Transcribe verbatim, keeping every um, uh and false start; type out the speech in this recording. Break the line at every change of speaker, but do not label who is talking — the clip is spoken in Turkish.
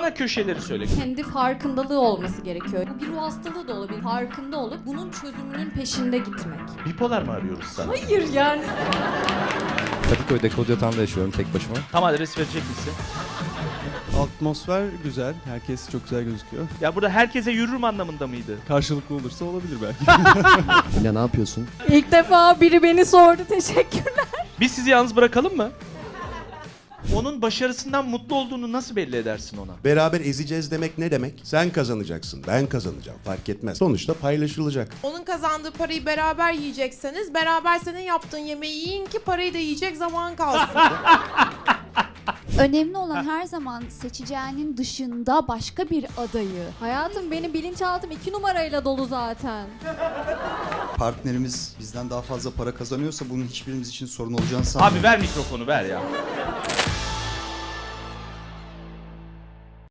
Bana köşeleri söyle.
Kendi farkındalığı olması gerekiyor. Bu bir ruh hastalığı da olabilir. Farkında olup bunun çözümünün peşinde gitmek.
Bipolar mı arıyoruz sana?
Hayır yani.
Kadıköy'de Kodyatağ'da yaşıyorum tek başıma.
Tam adres verecek misin?
Atmosfer güzel. Herkes çok güzel gözüküyor.
Ya burada herkese yürürüm anlamında mıydı?
Karşılıklı olursa olabilir belki.
Yine ne yapıyorsun?
İlk defa biri beni sordu. Teşekkürler.
Biz sizi yalnız bırakalım mı? Onun başarısından mutlu olduğunu nasıl belli edersin ona?
Beraber ezeceğiz demek ne demek? Sen kazanacaksın, ben kazanacağım. Fark etmez. Sonuçta paylaşılacak.
Onun kazandığı parayı beraber yiyecekseniz beraber senin yaptığın yemeği yiyin ki parayı da yiyecek zaman kalsın.
Önemli olan her zaman seçeceğinin dışında başka bir adayı.
Hayatım benim bilinçaltım iki numarayla dolu zaten.
Partnerimiz bizden daha fazla para kazanıyorsa bunun hiçbirimiz için sorun olacağını sanmıyorum.
Abi ver mikrofonu ver ya.